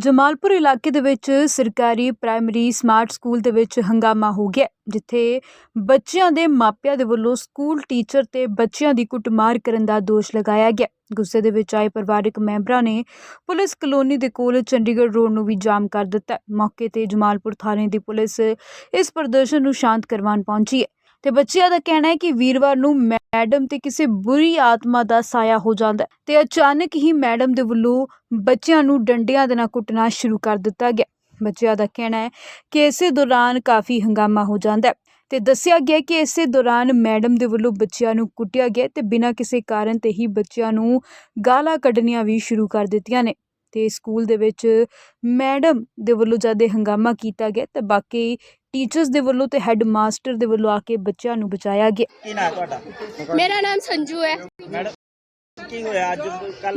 ਜਮਾਲਪੁਰ ਇਲਾਕੇ ਦੇ ਵਿੱਚ ਸਰਕਾਰੀ ਪ੍ਰਾਇਮਰੀ ਸਮਾਰਟ ਸਕੂਲ ਦੇ ਵਿੱਚ ਹੰਗਾਮਾ ਹੋ ਗਿਆ, ਜਿੱਥੇ ਬੱਚਿਆਂ ਦੇ ਮਾਪਿਆਂ ਦੇ ਵੱਲੋਂ ਸਕੂਲ ਟੀਚਰ ਤੇ ਬੱਚਿਆਂ ਦੀ ਕੁੱਟਮਾਰ ਕਰਨ ਦਾ ਦੋਸ਼ ਲਗਾਇਆ ਗਿਆ। ਗੁੱਸੇ ਦੇ ਵਿੱਚ ਆਏ ਪਰਿਵਾਰਕ ਮੈਂਬਰਾਂ ਨੇ ਪੁਲਿਸ ਕਲੋਨੀ ਦੇ ਕੋਲ ਚੰਡੀਗੜ੍ਹ ਰੋਡ ਨੂੰ ਵੀ ਜਾਮ ਕਰ ਦਿੱਤਾ। ਮੌਕੇ ਤੇ ਜਮਾਲਪੁਰ ਥਾਣੇ ਦੀ ਪੁਲਿਸ ਇਸ ਪ੍ਰਦਰਸ਼ਨ ਨੂੰ ਸ਼ਾਂਤ ਕਰਵਾਉਣ ਪਹੁੰਚੀ ਹੈ ਤੇ ਬੱਚਿਆਂ ਦਾ ਕਹਿਣਾ ਹੈ ਕਿ ਵੀਰਵਾਰ ਨੂੰ ਮੈਡਮ ਤੇ ਕਿਸੇ ਬੁਰੀ ਆਤਮਾ ਦਾ ਸਾਇਆ ਹੋ ਜਾਂਦਾ ਤੇ ਅਚਾਨਕ ਹੀ ਮੈਡਮ ਦੇ ਵੱਲੋਂ ਬੱਚਿਆਂ ਨੂੰ ਡੰਡਿਆਂ ਦੇ ਨਾਲ ਕੁੱਟਣਾ ਸ਼ੁਰੂ ਕਰ ਦਿੱਤਾ ਗਿਆ। ਬੱਚਿਆਂ ਦਾ ਕਹਿਣਾ ਹੈ ਕਿ ਇਸੇ ਦੌਰਾਨ ਕਾਫੀ ਹੰਗਾਮਾ ਹੋ ਜਾਂਦਾ ਹੈ ਤੇ ਦੱਸਿਆ ਗਿਆ ਕਿ ਇਸੇ ਦੌਰਾਨ ਮੈਡਮ ਦੇ ਵੱਲੋਂ ਬੱਚਿਆਂ ਨੂੰ ਕੁੱਟਿਆ ਗਿਆ ਤੇ ਬਿਨਾਂ ਕਿਸੇ ਕਾਰਨ ਤੇ ਹੀ ਬੱਚਿਆਂ ਨੂੰ ਗਾਲਾਂ ਕੱਢਣੀਆਂ ਵੀ ਸ਼ੁਰੂ ਕਰ ਦਿੱਤੀਆਂ ਨੇ। ਤੇ ਸਕੂਲ ਦੇ ਵਿੱਚ ਮੈਡਮ ਦੇ ਵੱਲੋਂ ਜਦ ਇਹ ਹੰਗਾਮਾ ਕੀਤਾ ਗਿਆ ਤੇ ਬਾਕੀ ਟੀਚਰਸ ਦੇ ਵੱਲੋਂ ਤੇ ਹੈੱਡ ਮਾਸਟਰ ਦੇ ਵੱਲੋਂ ਆ ਕੇ ਬੱਚਿਆਂ ਨੂੰ ਬਚਾਇਆ ਗਿਆ। ਕੀ ਨਾਮ ਤੁਹਾਡਾ? मेरा नाम संजू है। ਮੈਡਮ ਕੀ ਹੋਇਆ ਅੱਜ ਕੱਲ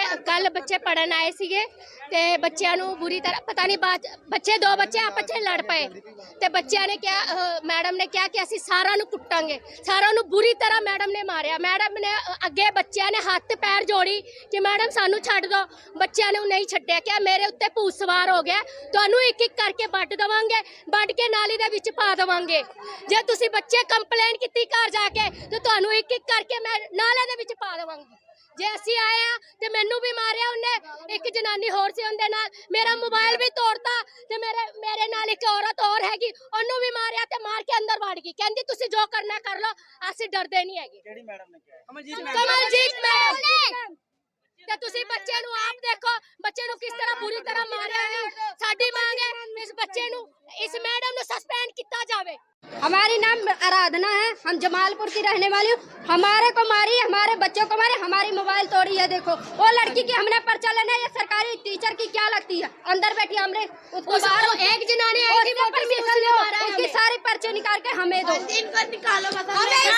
ਬੱਚੇ ਪੜਨ ਆਏ ਸੀਗੇ ਤੇ ਬੱਚਿਆਂ ਨੂੰ ਬੁਰੀ ਤਰ੍ਹਾਂ ਪਤਾ ਨਹੀਂ ਬੱਚੇ ਦੋ ਬੱਚੇ ਆਪਸ ਵਿੱਚ ਲੜ ਪਏ ਤੇ ਬੱਚਿਆਂ ਨੇ ਕਿਹਾ, ਮੈਡਮ ਨੇ ਕਿਹਾ ਕਿ ਅਸੀਂ ਸਾਰਿਆਂ ਨੂੰ ਕੁੱਟਾਂਗੇ। ਸਾਰਿਆਂ ਨੂੰ ਬੁਰੀ ਤਰ੍ਹਾਂ ਮੈਡਮ ਨੇ ਮਾਰਿਆ। ਮੈਡਮ ਨੇ ਅੱਗੇ ਬੱਚਿਆਂ ਨੇ ਹੱਥ ਪੈਰ ਜੋੜੀ ਕਿ ਮੈਡਮ ਸਾਨੂੰ ਛੱਡ ਦਿਓ। ਬੱਚਿਆਂ ਨੇ ਨਹੀਂ ਛੱਡਿਆ। ਕਿ ਮੇਰੇ ਉੱਤੇ ਭੂਤ ਸਵਾਰ ਹੋ ਗਿਆ, ਤੁਹਾਨੂੰ ਇੱਕ ਇੱਕ ਕਰਕੇ ਵੱਢ ਦੇਵਾਂਗੇ, ਵੱਢ ਕੇ ਨਾਲੀ ਦੇ ਵਿੱਚ ਪਾ ਦੇਵਾਂਗੇ। ਜੇ ਤੁਸੀਂ ਬੱਚੇ ਕੰਪਲੇਨ ਕੀਤੀ ਘਰ ਜਾ ਕੇ ਤੇ ਤੁਹਾਨੂੰ ਇੱਕ ਇੱਕ ਕਰਕੇ ਮੈਂ ਨਾਲੇ ਦੇ ਵਿੱਚ ਪਾ ਦੇਵਾਂਗੀ। ਜੇ ਅਸੀਂ ਆਏ ਆ ਤੇ ਮੈਨੂੰ ਵੀ ਮਾਰਿਆ ਉਹਨੇ। ਇੱਕ ਜਨਾਨੀ ਹੋਰ ਸੀ ਉਹਦੇ ਨਾਲ, ਮੇਰਾ ਮੋਬਾਈਲ ਵੀ ਤੋੜਤਾ ਤੇ ਮੇਰੇ ਨਾਲ ਇੱਕ ਔਰਤ ਹੋਰ ਹੈਗੀ, ਉਹਨੂੰ ਵੀ ਮਾਰਿਆ ਤੇ ਮਾਰ ਕੇ ਅੰਦਰ ਵੜ ਗਈ। ਕਹਿੰਦੀ ਤੁਸੀਂ ਜੋ ਕਰਨਾ ਕਰ ਲਓ, ਅਸੀਂ ਡਰਦੇ ਨਹੀਂ ਹੈਗੇ। ਕਿਹੜੀ ਮੈਡਮ ਨੇ ਕਿਹਾ? ਕਮਲਜੀਤ ਮੈਡਮ ਨੇ। ਤੇ ਤੁਸੀਂ ਬੱਚੇ ਨੂੰ ਆਪ ਦੇਖੋ, ਬੱਚੇ ਨੂੰ ਕਿਸ ਤਰ੍ਹਾਂ ਬੁਰੀ ਤਰ੍ਹਾਂ ਮਾਰਿਆ ਹੈ। ਸਾਡੀ ਮੰਗ है इस बच्चे नु इस मैडम नु सस्पेंड किया जावे। हमारी नाम आराधना है, हम जमालपुर की रहने वाली हूँ। हमारे को मारी, हमारे बच्चों को मारी, हमारी मोबाइल तोड़ी है। देखो वो लड़की की हमने पर्चा लेना है। ये सरकारी टीचर की क्या लगती है? अंदर बैठी हमने उसको बाहर एक जनानी आई थी, वो परमिशन लो, उसकी सारी पर्चे निकाल के हमें दो। इनको निकालो बस।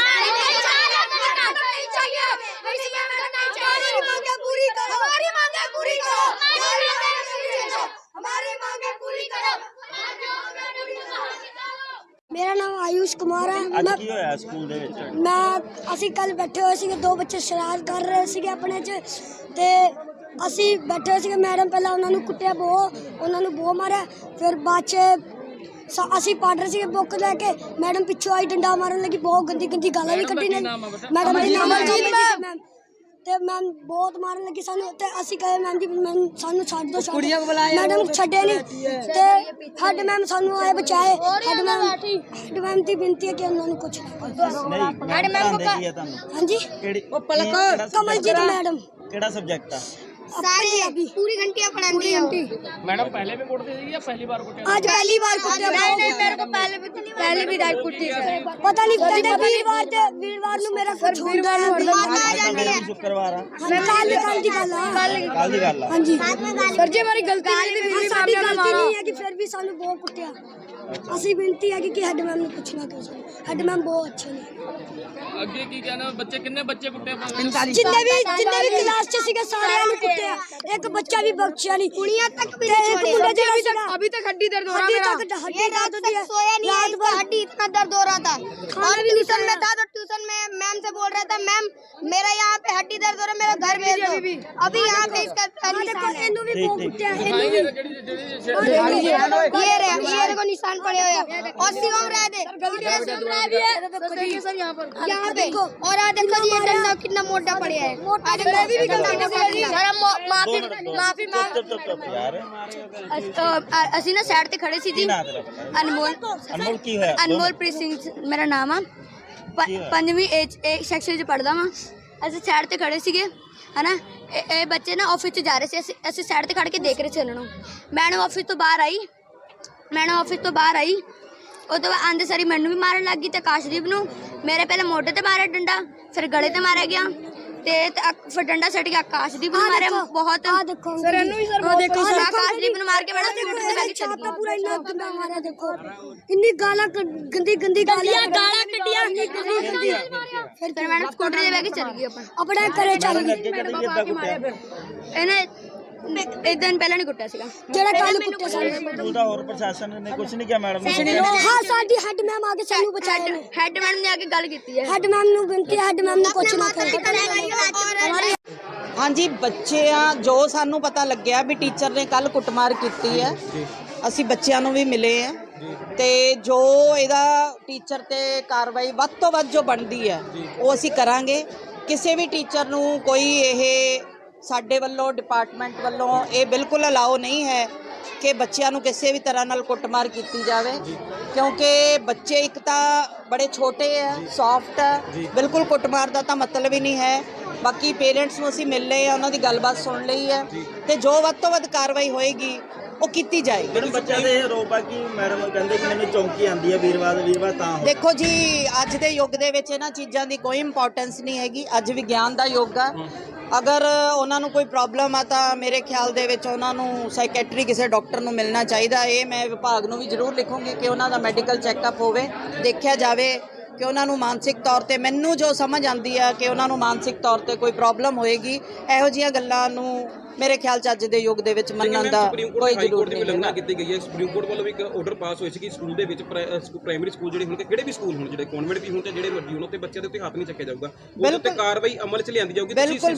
मेरा नाम आयुष कुमार है। ਅੱਜ ਕੀ ਹੋਇਆ ਸਕੂਲ ਦੇ ਵਿੱਚ? मैं ਅਸੀਂ ਕੱਲ ਬੈਠੇ ਹੋਏ ਸੀਗੇ, ਦੋ ਬੱਚੇ ਸ਼ਰਾਰਤ ਕਰ ਰਹੇ ਸੀਗੇ ਆਪਣੇ 'ਚ ਤੇ ਅਸੀਂ ਬੈਠੇ ਹੋਏ ਸੀਗੇ। ਮੈਡਮ ਪਹਿਲਾਂ ਉਹਨਾਂ ਨੂੰ ਕੁੱਟਿਆ, ਉਹਨਾਂ ਨੂੰ ਬਹੁਤ ਮਾਰਿਆ। ਫਿਰ ਬਾਅਦ 'ਚ ਅਸੀਂ ਪੜ੍ਹ ਰਹੇ ਸੀਗੇ ਬੁੱਕ ਲੈ ਕੇ, ਮੈਡਮ ਪਿੱਛੋਂ ਆਈ ਡੰਡਾ ਮਾਰਨ ਲੱਗੀ, ਬਹੁਤ ਗੰਦੀ ਗਾਲਾਂ ਵੀ ਕੱਢੀ ਨੇ। ਮੈਡਮ ਦਾ ਨਾਮ ਤੇ ਮੈਮ ਬਹੁਤ ਮਾਰਨ ਲੱਗੀ ਸਾਨੂੰ ਤੇ ਅਸੀਂ ਕਹੇ ਮੈਮ ਜੀ ਸਾਨੂੰ ਛੱਡ ਦਿਓ। ਮੈਡਮ ਛੱਡੇ ਨਹੀਂ ਤੇ ਹੈਡ ਮੈਮ ਸਾਨੂੰ ਆਏ ਬਚਾਏ। ਹੈਡ ਮੈਮ ਦੀ ਬੇਨਤੀ ਹੈ ਕਿ ਉਹਨਾਂ ਨੂੰ ਕੁਝ ਨਹੀਂ ਮੈਡਮ ਪੜ੍ਹਾਉਂਦੇ ਕੀ ਹੈ ਤੁਹਾਨੂੰ? ਹਾਂਜੀ ਕਿਹੜੀ ਕਮਲਜੀਤ ਮੈਡਮ। ਕਿਹੜਾ ਸਬਜੈਕਟ ਆ? सारी पूरी घंटियां पढ़ाती है। मैडम पहले भी कुटती थी या पहली बार कुटे? आज पहली बार कुटे। नहीं मेरे को पहले भी डांट कुटी है। पता नहीं कहते वीरवार ਨੂੰ ਮੇਰਾ ਕੁਝ ਹੁੰਦਾ ਹੈ। ਸ਼ੁੱਕਰਵਾਰ ਆ। ਕੱਲ ਦੀ ਗੱਲ ਆ। ਕੱਲ ਦੀ ਗੱਲ ਆ। ਹਾਂਜੀ ਸਰ ਜੀ, ਹਮਾਰੀ ਗਲਤੀ ਨਹੀਂ, ਸਾਡੀ ਗਲਤੀ ਨਹੀਂ ਹੈ ਕਿ ਫਿਰ ਵੀ ਸਾਨੂੰ ਬਹੁਤ ਕੁੱਟਿਆ। ਅਸੀਂ ਬੇਨਤੀ ਹੈ ਕਿ ਹੈਡ ਮੈਮ ਨੂੰ ਪੁੱਛਣਾ ਕਿ ਹੈਡ ਮੈਮ ਬਹੁਤ ਅੱਛੇ ਨੇ। ਅੱਗੇ ਕੀ ਕਹਿਣਾ? ਬੱਚੇ ਕਿੰਨੇ ਬੱਚੇ ਕੁੱਟੇ? ਜਿੰਨੇ ਵੀ ਕਲਾਸ 'ਚ ਸੀਗੇ ਸਾਰਿਆਂ ਨੂੰ ਕੁੱਟਿਆ, ਇੱਕ ਬੱਚਾ ਵੀ ਬਖਸ਼ਿਆ ਨਹੀਂ। ਕੁੜੀਆਂ ਤੱਕ ਵੀ ਨਹੀਂ ਛੋੜਿਆ। अभी तक हड्डी दर्द हो रहा है मेरा। ये रात सोया नहीं, रात भर हड्डी इतना दर्द हो रहा था। और ट्यूशन में था तो ट्यूशन में मैम से बोल रहा था, मैम मेरा यहाँ पे हड्डी दर्द हो रहा है, मेरा घर भेज दो। अभी यहाँ पे इसका निशान है। ਇਹਨੂੰ ਵੀ ਬਹੁਤ ਕੁੱਟਿਆ। ये देखो निशान पड़े हुए हैं। और शिवम रह दे यहाँ पे। और आ देखो ये डंडा कितना मोटा पड़ा है। माफी ਚੁੱਪ ਯਾਰ। ਅਸੀਂ ਨਾ ਸਾਈਡ ਤੇ ਖੜੇ ਸੀ ਕੀ ਜੀ। ਨਾਂ ਤੇਰਾ? ਅਨਮੋਲ ਕੀ ਹੋਇਆ? ਅਨਮੋਲਪ੍ਰੀਤ ਸਿੰਘ ਮੇਰਾ ਨਾਮ ਆ। ਪੰਜਵੀਂ ਸੈਕਸ਼ਨ 'ਚ ਪੜ੍ਹਦਾ ਵਾਂ। ਅਸੀਂ ਸਾਈਡ ਤੇ ਖੜੇ ਸੀਗੇ ਹੈ ਨਾ। ਇਹ ਬੱਚੇ ਨਾ ਆਫਿਸ 'ਚ ਜਾ ਰਹੇ ਸੀ। ਅਸੀਂ ਸਾਈਡ ਤੇ ਖੜ ਕੇ ਦੇਖ ਰਹੇ ਸੀ ਉਹਨਾਂ ਨੂੰ। ਮੈਡਮ ਆਫਿਸ ਤੋਂ ਬਾਹਰ ਆਈ। ਉਹ ਤੋਂ ਆਂਦੇ ਸਾਰੀ ਮੈਨੂੰ ਵੀ ਮਾਰਨ ਲੱਗ ਗਈ ਤੇ ਆਕਾਸ਼ਦੀਪ ਨੂੰ। ਮੇਰੇ ਪਹਿਲਾਂ ਮੋਢੇ ਤੇ ਮਾਰਿਆ ਡੰਡਾ, ਫਿਰ ਗਲੇ ਤੇ ਮਾਰਿਆ ਗਿਆ ਤੇ ਫਿਰ ਡੰਡਾ ਸੱਟ ਕੇ ਆਕਾਸ਼ਦੀਪ ਨੂੰ ਮਾਰਿਆ ਬਹੁਤ। सर ਇਹਨੂੰ ਵੀ ਸਰ ਬਹੁਤ ਦੇਖੋ ਆਕਾਸ਼ਦੀਪ ਨੂੰ ਮਾਰ ਕੇ ਮੈਡਮ ਸਕੂਟਰ ਤੇ ਬੈਠ ਛਾਤਾ ਪੂਰਾ ਇੰਨਾ ਗੰਦਾ ਮਾਰਿਆ। ਦੇਖੋ ਇੰਨੀ ਗਾਲਾਂ ਗੰਦੀ ਗਾਲਾਂ ਕੱਢੀਆਂ। ਫਿਰ ਮੈਡਮ ਸਕੂਟਰ ਤੇ ਬੈਠ ਕੇ ਚਲੀ ਗਈ ਆਪਣਾ ਘਰੇ ਚੱਲ ਗਈ। ਇਹਨੇ एक दिन पहले नहीं कुटिया सीगा ਜਿਹੜਾ ਕੱਲ ਕੁੱਟਿਆ ਸਾਨੂੰ। ਸਕੂਲ ਦਾ ਹੋਰ ਪ੍ਰਸ਼ਾਸਨ ਨੇ ਕੁਝ ਨਹੀਂ ਕਿਹਾ ਮੈਡਮ ਨੂੰ? ਹਾਂ ਸਾਡੀ ਹੈਡ ਮੈਮ ਆ ਕੇ ਸਾਨੂੰ ਬਚਾਇਆ ਨੇ। हेड मैडम ने आके गल की है। ਹੈਡ ਮੈਮ ਨੂੰ ਬੇਨਤੀ ਹੈ, ਹੈਡ ਮੈਮ ਨੂੰ ਕੁਛ ਨਾ ਕਰੇ। ਹਾਂਜੀ ਬੱਚਿਆਂ ਜੋ ਸਾਨੂੰ ਪਤਾ ਲੱਗਿਆ ਵੀ ਟੀਚਰ ਨੇ ਕੱਲ ਕੁੱਟਮਾਰ ਕੀਤੀ ਹੈ, ਅਸੀਂ ਬੱਚਿਆਂ ਨੂੰ ਵੀ ਮਿਲੇ ਆ ਤੇ ਜੋ ਇਹਦਾ ਟੀਚਰ ਤੇ ਕਾਰਵਾਈ ਵੱਧ ਤੋਂ ਵੱਧ ਜੋ ਬਣਦੀ ਹੈ ਉਹ ਅਸੀਂ ਕਰਾਂਗੇ। ਕਿਸੇ ਵੀ ਟੀਚਰ ਨੂੰ ਕੋਈ ਇਹ ਸਾਡੇ ਵੱਲੋਂ ਡਿਪਾਰਟਮੈਂਟ ਵੱਲੋਂ ਇਹ ਬਿਲਕੁਲ ਅਲਾਓ ਨਹੀਂ ਹੈ ਕਿ ਬੱਚਿਆਂ ਨੂੰ ਕਿਸੇ ਵੀ ਤਰ੍ਹਾਂ ਨਾਲ ਕੁੱਟਮਾਰ ਕੀਤੀ ਜਾਵੇ, ਕਿਉਂਕਿ ਬੱਚੇ ਇੱਕ ਤਾਂ ਬੜੇ ਛੋਟੇ ਆ, ਸੌਫਟ ਆ, ਬਿਲਕੁਲ ਕੁੱਟਮਾਰ ਦਾ ਤਾਂ ਮਤਲਬ ਹੀ ਨਹੀਂ ਹੈ। ਬਾਕੀ ਪੇਰੈਂਟਸ ਨੂੰ ਅਸੀਂ ਮਿਲ ਲਏ ਆ, ਉਹਨਾਂ ਦੀ ਗੱਲਬਾਤ ਸੁਣ ਲਈ ਹੈ ਤੇ ਜੋ ਵੱਧ ਤੋਂ ਵੱਧ ਕਾਰਵਾਈ ਹੋਏਗੀ ਉਹ ਕੀਤੀ ਜਾਏਗੀ। ਮੈਡਮ ਬੱਚਿਆਂ ਦੇ ਆਰੋਪ ਆ ਕਿ ਮੈਡਮ ਕਹਿੰਦੇ ਕਿ ਮੈਨੂੰ ਚੌਂਕੀ ਆਉਂਦੀ ਹੈ ਵੀਰਵਾਰ ਤਾਂ ਹੋ। ਦੇਖੋ ਜੀ ਅੱਜ ਦੇ ਯੁੱਗ ਦੇ ਵਿੱਚ ਇਹਨਾਂ ਚੀਜ਼ਾਂ ਦੀ ਕੋਈ ਇੰਪੋਰਟੈਂਸ ਨਹੀਂ ਹੈਗੀ। ਅੱਜ ਵਿਗਿਆਨ ਦਾ ਯੁੱਗ ਆ। ਅਗਰ ਉਹਨਾਂ ਨੂੰ ਕੋਈ ਪ੍ਰੋਬਲਮ ਆ ਤਾਂ ਮੇਰੇ ਖਿਆਲ ਦੇ ਵਿੱਚ ਉਹਨਾਂ ਨੂੰ ਸਾਈਕੈਟਰੀ ਕਿਸੇ ਡਾਕਟਰ ਨੂੰ ਮਿਲਣਾ ਚਾਹੀਦਾ। ਇਹ ਮੈਂ ਵਿਭਾਗ ਨੂੰ ਵੀ ਜ਼ਰੂਰ ਲਿਖੂੰਗੀ ਕਿ ਉਹਨਾਂ ਦਾ ਮੈਡੀਕਲ ਚੈੱਕਅਪ ਹੋਵੇ, ਦੇਖਿਆ ਜਾਵੇ ਕਿ ਉਹਨਾਂ ਨੂੰ ਮਾਨਸਿਕ ਤੌਰ ਤੇ, ਮੈਨੂੰ ਜੋ ਸਮਝ ਆਉਂਦੀ ਆ ਕਿ ਉਹਨਾਂ ਨੂੰ ਮਾਨਸਿਕ ਤੌਰ ਤੇ ਕੋਈ ਪ੍ਰੋਬਲਮ ਹੋਏਗੀ। ਇਹੋ ਜਿਹੀਆਂ ਗੱਲਾਂ ਨੂੰ ਮੇਰੇ ਖਿਆਲ 'ਚ ਅੱਜ ਦੇ ਯੁੱਗ ਦੇ ਵਿੱਚ ਮੰਨਣ ਦਾ ਕੋਈ ਜ਼ਰੂਰ ਨਹੀਂ ਹੈ। ਕੀਤੀ ਗਈ ਹੈ ਸੁਪਰੀਮ ਕੋਰਟ ਵੱਲੋਂ ਵੀ ਇੱਕ ਆਰਡਰ ਪਾਸ ਹੋਇਆ ਸੀ ਕਿ ਸਕੂਲ ਦੇ ਵਿੱਚ ਪ੍ਰਾਇਮਰੀ ਸਕੂਲ ਜਿਹੜੇ ਹੋਣਗੇ, ਕਿਹੜੇ ਵੀ ਸਕੂਲ ਹੋਣ, ਜਿਹੜੇ ਕਨਵੈਂਟ ਵੀ ਹੋਣ ਤੇ ਜਿਹੜੇ ਮਰਜ਼ੀ ਹੋਣ, ਉੱਤੇ ਬੱਚਿਆਂ ਦੇ ਉੱਤੇ ਹੱਥ ਨਹੀਂ ਚੱਕਿਆ ਜਾਊਗਾ, ਉਹਦੇ ਉੱਤੇ ਕਾਰਵਾਈ ਅਮਲ 'ਚ ਲਿਆਂਦੀ ਜਾਊਗੀ। ਬਿਲਕੁਲ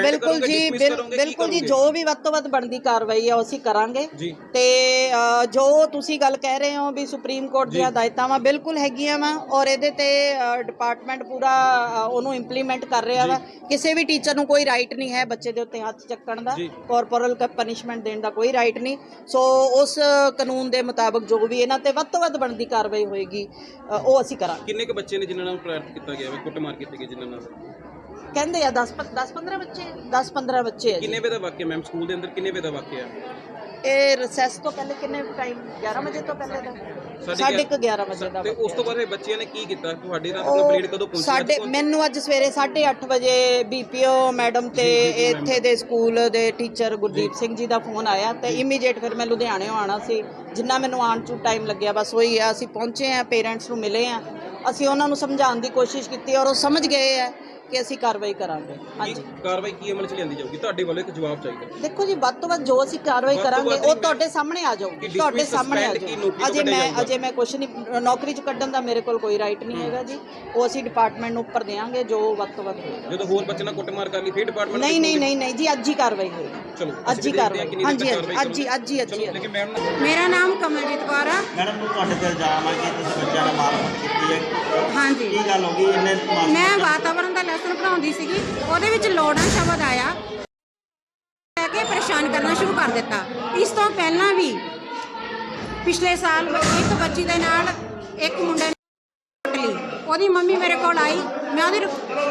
ਜੀ ਜੋ ਵੀ ਵੱਧ ਤੋਂ ਵੱਧ ਬਣਦੀ ਕਾਰਵਾਈ ਆ ਉਹ ਅਸੀਂ ਕਰਾਂਗੇ। ਤੇ ਜੋ ਤੁਸੀਂ ਗੱਲ ਕਹਿ ਰਹੇ ਹੋ ਵੀ ਸੁਪਰੀਮ ਕੋਰਟ ਦੀਆਂ ਹਦਾਇਤਾਂ ਵਾ, ਬਿਲਕੁਲ ਹੈਗੀਆਂ ਵਾ ਔਰ ਇਹਦੇ ਤੇ ਡਿਪਾਰਟਮੈਂਟ ਪੂਰਾ ਉਹਨੂੰ ਇੰਪਲੀਮੈਂਟ ਕਰ ਰਿਹਾ ਵਾ। ਕਿਸੇ ਵੀ ਟੀਚਰ ਨੂੰ ਕੋਈ ਰਾਈਟ ਨਹੀਂ ਹੈ ਬੱਚੇ ਦੇ ਉੱਤੇ ਹੱਥ ਚੱਕਣ ਦਾ, ਕਾਰਪੋਰਲ ਪਨਿਸ਼ਮੈਂਟ ਦੇਣ ਦਾ ਕੋਈ ਰਾਈਟ ਨਹੀਂ। ਸੋ ਉਸ ਕਾਨੂੰਨ ਦੇ ਮੁਤਾਬਕ ਜੋ ਵੀ ਇਹਨਾਂ ਤੇ ਵੱਧ ਤੋਂ ਵੱਧ ਬਣਦੀ ਕਾਰਵਾਈ ਹੋਏਗੀ ਉਹ ਅਸੀਂ ਕਰਾਂਗੇ। ਕਿੰਨੇ ਕੁ ਬੱਚੇ ਨੇ ਜਿਨ੍ਹਾਂ ਨਾਲ ਪ੍ਰੇਰਿਤ ਕੀਤਾ ਗਿਆ ਹੈ, ਕੁੱਟਮਾਰ ਕੀਤੀ ਗਈ ਜਿਨ੍ਹਾਂ ਨਾਲ? ਕਹਿੰਦੇ ਆ 10-15 ਬੱਚੇ 10-15 ਬੱਚੇ। ਕਿੰਨੇ ਵਜੇ ਦਾ ਵਾਕਿਆ ਮੈਮ? ਸਕੂਲ ਦੇ ਅੰਦਰ ਕਿੰਨੇ ਵਜੇ ਦਾ ਵਾਕਿਆ? ਇਹ ਰਿਸੈਸ ਤੋਂ ਪਹਿਲੇ ਕਿੰਨੇ ਟਾਈਮ? 11 ਵਜੇ ਤੋਂ ਪਹਿਲੇ ਦਾ 11:30 ਵਜੇ ਦਾ। ਤੇ ਉਸ ਤੋਂ ਬਾਅਦ ਇਹ ਬੱਚਿਆਂ ਨੇ ਕੀ ਕੀਤਾ? ਤੁਹਾਡੇ ਨਾਲ ਕੰਪਲੀਟ ਕਦੋਂ ਪਹੁੰਚੀ? ਮੈਨੂੰ ਅੱਜ ਸਵੇਰੇ 8:30 ਵਜੇ ਬੀਪੀਓ ਮੈਡਮ ਤੇ ਇੱਥੇ ਦੇ ਸਕੂਲ ਦੇ ਟੀਚਰ ਗੁਰਦੀਪ ਸਿੰਘ ਜੀ ਦਾ ਫੋਨ ਆਇਆ ਤੇ ਇਮੀਡੀਏਟ ਫਿਰ ਮੈਂ ਲੁਧਿਆਣਿਓਂ ਆਉਣਾ ਸੀ। ਜਿੰਨਾ ਮੈਨੂੰ ਆਉਣ 'ਚ ਟਾਈਮ ਲੱਗਿਆ ਬਸ ਉਹੀ ਆ। ਅਸੀਂ ਪਹੁੰਚੇ ਆ, ਪੇਰੈਂਟਸ ਨੂੰ ਮਿਲੇ ਆ, ਅਸੀਂ ਉਹਨਾਂ ਨੂੰ ਸਮਝਾਉਣ ਦੀ ਕੋਸ਼ਿਸ਼ ਕੀਤੀ ਔਰ ਉਹ ਸਮਝ ਗਏ ਆ ਕਿ ਅਸੀਂ ਕਾਰਵਾਈ ਕਰਾਂਗੇ। ਹਾਂਜੀ, ਕਾਰਵਾਈ ਕੀ ਅਮਲ 'ਚ ਲਿਆਂਦੀ ਜਾਊਗੀ? ਤੁਹਾਡੇ ਵੱਲੋਂ ਇੱਕ ਜਵਾਬ ਚਾਹੀਦਾ। ਦੇਖੋ ਜੀ ਵੱਧ ਤੋਂ ਵੱਧ ਜੋ ਅਸੀਂ ਕਾਰਵਾਈ ਕਰਾਂਗੇ ਉਹ ਤੁਹਾਡੇ ਸਾਹਮਣੇ ਆ ਜਾਊਗੀ, ਤੁਹਾਡੇ ਸਾਹਮਣੇ ਆ ਜਾਊਗੀ। ਅਜੇ ਮੈਂ ਕੁਛ ਨਹੀਂ, ਨੌਕਰੀ 'ਚ ਕੱਢਣ ਦਾ ਮੇਰੇ ਕੋਲ ਕੋਈ ਰਾਈਟ ਨਹੀਂ ਹੈਗਾ ਜੀ। ਉਹ ਅਸੀਂ ਡਿਪਾਰਟਮੈਂਟ ਨੂੰ ਉੱਪਰ ਦੇਵਾਂਗੇ ਜੋ ਵੱਧ ਤੋਂ ਵੱਧ ਹੋਏਗਾ। ਜਦੋਂ ਹੋਰ ਬੱਚੇ ਨਾਲ ਕੁੱਟਮਾਰ ਕਰ ਲਈ ਫਿਰ ਡਿਪਾਰਟਮੈਂਟ ਨਹੀਂ ਜੀ ਅੱਜ ਹੀ ਕਾਰਵਾਈ ਹੋਏਗੀ। ਚਲੋ ਅੱਜ ਹੀ ਕਾਰਵਾਈ। ਹਾਂਜੀ। ਮੇਰਾ ਨਾਮ ਕਮਲਜੀਤ ਕੌਰ ਆ। ਮੈਡਮ ਨੂੰ ਤੁਹਾਡੇ ਤੇ ਇਲਜ਼ਾਮ ਆ ਕਿ ਤੁਸੀਂ ਬੱਚਿਆਂ ਨਾਲ ਮਾਰਕੁੱਟ ਕੀਤੀ ਹੈ। ਹਾਂਜੀ, ਕੀ ਗੱਲ ਹੋ ਗਈ? ਇਹਨੇ ਮੈਂ ਵਾਤਾਵਰਣ ਦਾ ਲੈਸਨ ਪੜ੍ਹਾਉਂਦੀ ਸੀਗੀ, ਉਹਦੇ ਵਿੱਚ ਲੋੜਾਂ ਸ਼ਬਦ ਆਇਆ, ਲੈ ਕੇ ਪਰੇਸ਼ਾਨ ਕਰਨਾ ਸ਼ੁਰੂ ਕਰ ਦਿੱਤਾ। ਇਸ ਤੋਂ ਪਹਿਲਾਂ ਵੀ ਪਿਛਲੇ ਸਾਲ ਇੱਕ ਬੱਚੀ ਦੇ ਨਾਲ ਇੱਕ ਮੁੰਡੇ ਨੇ ਕੁੱਟ ਲਈ। ਉਹਦੀ ਮੰਮੀ ਮੇਰੇ ਕੋਲ ਆਈ, ਮੈਂ ਉਹਦੀ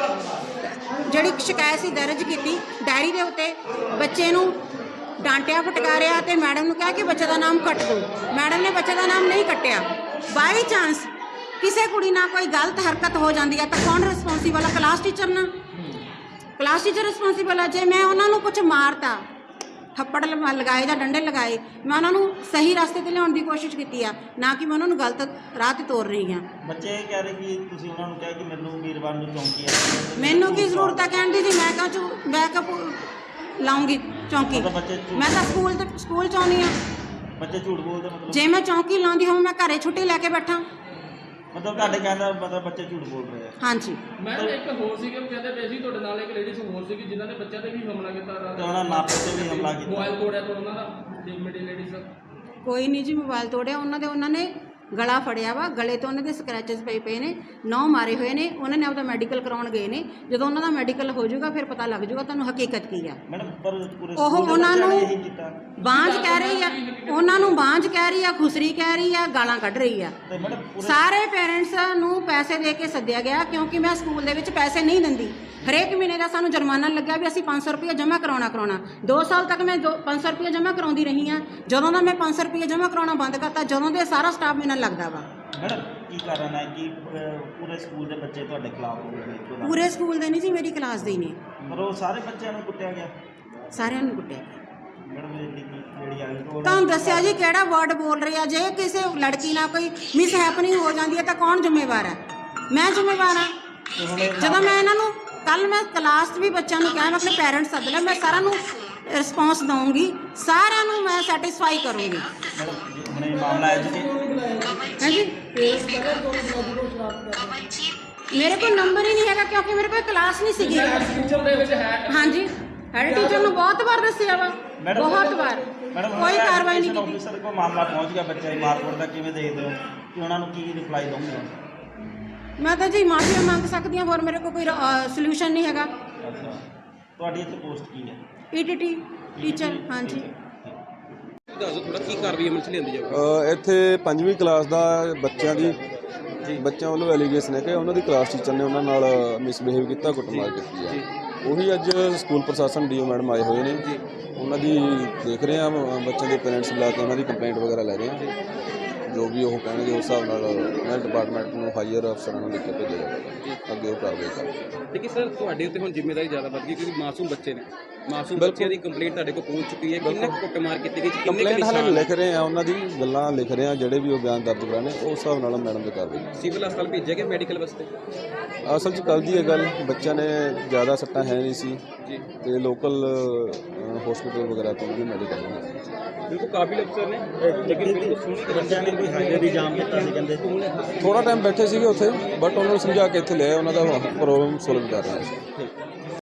ਜਿਹੜੀ ਸ਼ਿਕਾਇਤ ਸੀ ਦਰਜ ਕੀਤੀ ਡਾਇਰੀ ਦੇ ਉੱਤੇ। ਬੱਚੇ ਨੂੰ ਡਾਂਟਿਆ ਫਟਕਾਰਿਆ ਤੇ ਮੈਡਮ ਨੂੰ ਕਿਹਾ ਕਿ ਬੱਚੇ ਦਾ ਨਾਮ ਕੱਟ ਦਿਓ। ਮੈਡਮ ਨੇ ਬੱਚੇ ਦਾ ਨਾਮ ਨਹੀਂ ਕੱਟਿਆ। ਬਾਈ ਚਾਂਸ ਕਿਸੇ ਕੁੜੀ ਨਾਲ ਕੋਈ ਗਲਤ ਹਰਕਤ ਹੋ ਜਾਂਦੀ ਹੈ ਤਾਂ ਕੌਣ ਰਿਸਪੌਂਸੀਬਲ ਹੈ? ਕਲਾਸ ਟੀਚਰ ਨਾ। ਕਲਾਸ ਟੀਚਰ ਰਿਸਪੌਂਸੀਬਲ ਹੈ। ਜੇ ਮੈਂ ਉਹਨਾਂ ਨੂੰ ਕੁਝ ਮਾਰਤਾ, ਥੱਪੜ ਲਗਾਏ ਜਾਂ ਡੰਡੇ ਲਗਾਏ, ਮੈਂ ਉਹਨਾਂ ਨੂੰ ਸਹੀ ਰਸਤੇ ਤੇ ਲਿਆਉਣ ਦੀ ਕੋਸ਼ਿਸ਼ ਕੀਤੀ ਆ, ਨਾ ਕਿ ਮੈਂ ਉਹਨਾਂ ਨੂੰ ਗਲਤ ਰਾਹ ਤੇ ਤੋਰ ਰਹੀ ਹਾਂ। ਬੱਚੇ ਕਹਿ ਰਹੇ ਕਿ ਤੁਸੀਂ ਉਹਨਾਂ ਨੂੰ ਕਿਹਾ ਕਿ ਮੈਨੂੰ ਵੀਰਵਾਰ ਨੂੰ ਚੌਂਕੀ ਆ। ਮੈਨੂੰ ਕੀ ਜ਼ਰੂਰਤ ਹੈ ਕਹਿਣ ਦੀ ਜੀ? ਮੈਂ ਕਿਉਂ ਲਾਉਂਗੀ ਚੌਂਕੀ? ਮੈਂ ਤਾਂ ਸਕੂਲ ਚ ਆਉਂਦੀ ਹਾਂ। ਬੱਚੇ ਝੂਠ ਬੋਲਦੇ ਮਤਲਬ? ਜੇ ਮੈਂ ਚੌਂਕੀ ਲਾਉਂਦੀ ਹੋਵਾਂ ਮੈਂ ਘਰੇ ਛੁੱਟੀ ਲੈ ਕੇ ਬੈਠਾਂ। ਮਤਲਬ ਤੁਹਾਡੇ ਕਹਿੰਦਾ ਮਤਲਬ ਬੱਚੇ ਝੂਠ ਬੋਲ ਰਹੇ ਆ? ਹਾਂਜੀ। ਮੈਂ ਇੱਕ ਹੋਰ ਸੀਗੇ, ਉਹ ਕਹਿੰਦੇ ਪਏ ਸੀ ਤੁਹਾਡੇ ਨਾਲ ਇੱਕ ਲੇਡੀਜ਼ ਹੋਰ ਸੀਗੀ ਜਿਨ੍ਹਾਂ ਨੇ ਬੱਚਿਆਂ ਤੇ ਵੀ ਹਮਲਾ ਕੀਤਾ, ਤੇ ਉਹਨਾਂ ਮਾਪੇ ਤੇ ਵੀ ਹਮਲਾ ਕੀਤਾ, ਮੋਬਾਈਲ ਤੋੜਿਆ ਤੋਂ ਉਹਨਾਂ ਦਾ। ਲੇਡੀਜ਼ ਕੋਈ ਨਹੀਂ ਜੀ ਮੋਬਾਈਲ ਤੋੜਿਆ ਉਹਨਾਂ ਨੇ ਗਲਾ ਫੜਿਆ ਵਾ, ਗਲੇ ਤੋਂ ਉਹਨਾਂ ਦੇ ਸਕ੍ਰੈਚਸ ਪਏ ਨੇ, 9 ਮਾਰੇ ਹੋਏ ਨੇ। ਉਹਨਾਂ ਨੇ ਆਪਦਾ ਮੈਡੀਕਲ ਕਰਾਉਣ ਗਏ ਨੇ। ਜਦੋਂ ਉਹਨਾਂ ਦਾ ਮੈਡੀਕਲ ਹੋ ਜਾਊਗਾ ਫਿਰ ਪਤਾ ਲੱਗ ਜਾਊਗਾ ਤੁਹਾਨੂੰ ਹਕੀਕਤ ਕੀ ਆ। ਮੈਡਮ ਪਰ ਪੂਰੇ ਉਹ ਉਹਨਾਂ ਨੂੰ ਬਾਂਝ ਕੀਤਾ। ਕਹਿ ਰਹੀ ਆ, ਉਹਨਾਂ ਨੂੰ ਬਾਂਝ ਕਹਿ ਰਹੀ ਆ, ਖੁਸਰੀ ਕਹਿ ਰਹੀ ਆ, ਗਾਲਾਂ ਕੱਢ ਰਹੀ ਆ। ਸਾਰੇ ਪੇਰੈਂਟਸ ਨੂੰ ਪੈਸੇ ਦੇ ਕੇ ਸੱਦਿਆ ਗਿਆ ਕਿਉਂਕਿ ਮੈਂ ਸਕੂਲ ਦੇ ਵਿੱਚ ਪੈਸੇ ਨਹੀਂ ਦਿੰਦੀ। ਹਰੇਕ ਮਹੀਨੇ ਦਾ ਸਾਨੂੰ ਜੁਰਮਾਨਾ ਲੱਗਿਆ ਵੀ ਅਸੀਂ 500 ਰੁਪਏ ਜਮ੍ਹਾਂ ਕਰਾਉਣਾ। 2 ਸਾਲ ਤੱਕ ਮੈਂ 500 ਰੁਪਏ ਜਮ੍ਹਾਂ ਕਰਾਉਂਦੀ ਰਹੀ ਹਾਂ। ਜਦੋਂ ਦਾ ਮੈਂ 500 ਰੁਪਏ ਜਮ੍ਹਾਂ ਕਰਾਉਣਾ ਬੰਦ ਕਰਤਾ, ਜਦੋਂ ਦੇ ਸਾਰਾ ਸਟਾਫ ਮੇਰੇ ਨਾਲ ਲੱਗਦਾ ਵਾ। ਮੈਡਮ ਕੀ ਕਾਰਨ ਹੈ ਕਿ ਪੂਰੇ ਸਕੂਲ ਦੇ ਬੱਚੇ ਤੁਹਾਡੇ ਖਿਲਾਫ ਹੋ ਗਏ? ਪੂਰੇ ਸਕੂਲ ਦੇ ਨਹੀਂ ਜੀ, ਮੇਰੀ ਕਲਾਸ ਦੇ ਹੀ ਨੇ। ਪਰ ਉਹ ਸਾਰੇ ਬੱਚਿਆਂ ਨੂੰ ਕੁੱਟਿਆ ਗਿਆ? ਸਾਰਿਆਂ ਨੂੰ ਕੁੱਟਿਆ। ਮੈਡਮ ਜਿਹੜੀ ਆ ਗਈ ਤੁਹਾਨੂੰ ਦੱਸਿਆ ਜੀ ਕਿਹੜਾ ਵਰਡ ਬੋਲ ਰਹੀ ਆ। ਜੇ ਕਿਸੇ ਲੜਕੀ ਨਾਲ ਕੋਈ ਮਿਸ ਹੈਪਨਿੰਗ ਹੋ ਜਾਂਦੀ ਹੈ ਤਾਂ ਕੌਣ ਜ਼ਿੰਮੇਵਾਰ ਹੈ? ਮੈਂ ਜ਼ਿੰਮੇਵਾਰ ਹਾਂ। ਜਦੋਂ ਮੈਂ ਇਹਨਾਂ ਨੂੰ ਕੱਲ ਮੈਂ ਕਲਾਸ 'ਚ ਵੀ ਬੱਚਿਆਂ ਨੂੰ ਕਿਹਾ, ਮੈਂ ਆਪਣੇ ਪੇਰੈਂਟਸ ਸੱਦ ਲਿਆ, ਮੈਂ ਸਾਰਿਆਂ ਨੂੰ ਰਿਸਪੌਂਸ ਦਊਂਗੀ, ਸਾਰਿਆਂ ਨੂੰ ਮੈਂ ਸੈਟੀਸਫਾਈ ਕਰੂੰਗੀ। ਹਾਂਜੀ, ਮੇਰੇ ਕੋਲ ਨੰਬਰ ਹੀ ਨਹੀਂ ਹੈਗਾ ਕਿਉਂਕਿ ਮੇਰੇ ਕੋਲ ਕਲਾਸ ਨਹੀਂ ਸੀਗੀ। ਹਾਂਜੀ, ਹੈਡ ਟੀਚਰ ਨੂੰ ਬਹੁਤ ਵਾਰ ਦੱਸਿਆ ਵਾ, ਬਹੁਤ ਵਾਰ, ਕੋਈ ਕਾਰਵਾਈ ਨਹੀਂ ਕੀਤੀ। ਆਫੀਸਰ ਕੋਲ ਮਾਮਲਾ ਪਹੁੰਚ ਗਿਆ ਬੱਚੇ ਦੀ ਮਾਰਕੁੱਟ ਦਾ, ਕਿਵੇਂ ਦੇਖਦੇ ਹੋ ਕਿ ਉਹਨਾਂ ਨੂੰ ਕੀ ਰਿਪਲਾਈ ਦੋਗੇ? ਮੈਂ ਤਾਂ ਜੀ ਮਾਫੀ ਮੰਗ ਸਕਦੀ ਹਾਂ, ਹੋਰ ਮੇਰੇ ਕੋਲ ਕੋਈ ਸੋਲੂਸ਼ਨ ਨਹੀਂ ਹੈਗਾ। ਅੱਛਾ, ਤੁਹਾਡੀ ਇੱਥੇ ਪੋਸਟ ਕੀ ਹੈ? ਪੀਟੀਟੀ ਟੀਚਰ, ਹਾਂਜੀ। ਦੱਸੋ ਥੋੜਾ ਕੀ ਕਾਰਵਾਈ ਅਮਲ 'ਚ ਲਿਆਂਦੀ ਜਾਊਗੀ? ਇੱਥੇ 5ਵੀਂ ਕਲਾਸ ਦਾ ਬੱਚਿਆਂ ਬੱਚਿਆਂ ਵੱਲੋਂ ਐਲੀਗੇਸ਼ਨ ਹੈ ਕਿ ਉਹਨਾਂ ਦੀ ਕਲਾਸ ਟੀਚਰ ਨੇ ਉਹਨਾਂ ਨਾਲ ਮਿਸਬਿਹੇਵ ਕੀਤਾ, ਕੁੱਟਮਾਰ ਕੀਤੀ ਹੈ। ਉਹੀ ਅੱਜ ਸਕੂਲ ਪ੍ਰਸ਼ਾਸਨ ਡੀਓ ਮੈਡਮ ਆਏ ਹੋਏ ਨੇ, ਉਹਨਾਂ ਦੀ ਦੇਖ ਰਹੇ ਆ, ਬੱਚਿਆਂ ਦੇ ਪੇਰੈਂਟਸ ਬੁਲਾ ਕੇ ਉਹਨਾਂ ਦੀ ਕੰਪਲੇਂਟ ਵਗੈਰਾ ਲੈ ਰਹੇ ਆ। ਜੋ ਵੀ ਉਹ ਕਹਿਣਗੇ ਉਸ ਹਿਸਾਬ ਨਾਲ ਮੈਂ ਡਿਪਾਰਟਮੈਂਟ ਨੂੰ ਹਾਇਰ ਅਫਸਰਾਂ ਨੂੰ ਲਿਖ ਕੇ ਭੇਜਿਆ ਜਾਵੇਗਾ, ਅੱਗੇ ਉਹ ਕਾਰਵਾਈ ਕਰਨਗੇ। ਲੇਕਿਨ ਸਰ ਤੁਹਾਡੇ ਉੱਤੇ ਹੁਣ ਜ਼ਿੰਮੇਵਾਰੀ ਜ਼ਿਆਦਾ ਵੱਧ ਗਈ ਕਿਉਂਕਿ ਮਾਸੂਮ ਬੱਚੇ ਨੇ, ਮਾਸੂਮ ਬੱਚਿਆਂ ਦੀ ਕੰਪਲੇਂਟ ਤੁਹਾਡੇ ਕੋਲ ਪਹੁੰਚ ਚੁੱਕੀ ਹੈ। ਕਿੰਨੇ ਕੁੱਟਮਾਰ ਕੀਤੀ ਗਈ, ਕੰਪਲੇਂਟ ਹਾਲੇ ਲਿਖ ਰਹੇ ਆ, ਉਹਨਾਂ ਦੀ ਗੱਲਾਂ ਲਿਖ ਰਹੇ ਆ, ਜਿਹੜੇ ਵੀ ਉਹ ਬਿਆਨ ਦਰਜ ਕਰਾਣੇ ਉਸ ਹਿਸਾਬ ਨਾਲ ਮੈਡਮ ਦੀ ਕਾਰਵਾਈ। ਸਿਵਲ ਹਸਪਤਾਲ ਭੇਜਿਆ ਗਿਆ ਮੈਡੀਕਲ ਵਾਸਤੇ? ਅਸਲ 'ਚ ਕੱਲ੍ਹ ਦੀ ਇਹ ਗੱਲ, ਬੱਚਿਆਂ ਨੇ ਜ਼ਿਆਦਾ ਸੱਟਾਂ ਹੈ ਨਹੀਂ ਸੀ ਤੇ ਲੋਕਲ ਹਸਪੀਟਲ ਵਗੈਰਾ ਤੋਂ ਵੀ ਮੈਡੀਕਲ ਬਿਲਕੁਲ ਕਾਬਿਲ ਅਫਸਰ ਨੇ, ਲੇਕਿਨ ਬਿਲਕੁਲ ਸੁਣੀ ਬੱਚਿਆਂ ਨੇ ਕੋਈ ਹਾਈਵੇ ਵੀ ਜਾਮ ਕੀਤਾ ਸੀ ਕਹਿੰਦੇ। ਥੋੜਾ ਟਾਈਮ ਬੈਠੇ ਸੀਗੇ ਉੱਥੇ, ਬਟ ਉਹਨਾਂ ਨੂੰ ਸਮਝਾ ਕੇ ਇੱਥੇ ਲਿਆਏ, ਉਹਨਾਂ ਦਾ ਪ੍ਰੋਬਲਮ ਸੋਲਵ ਕਰ ਰਹੇ ਸੀ।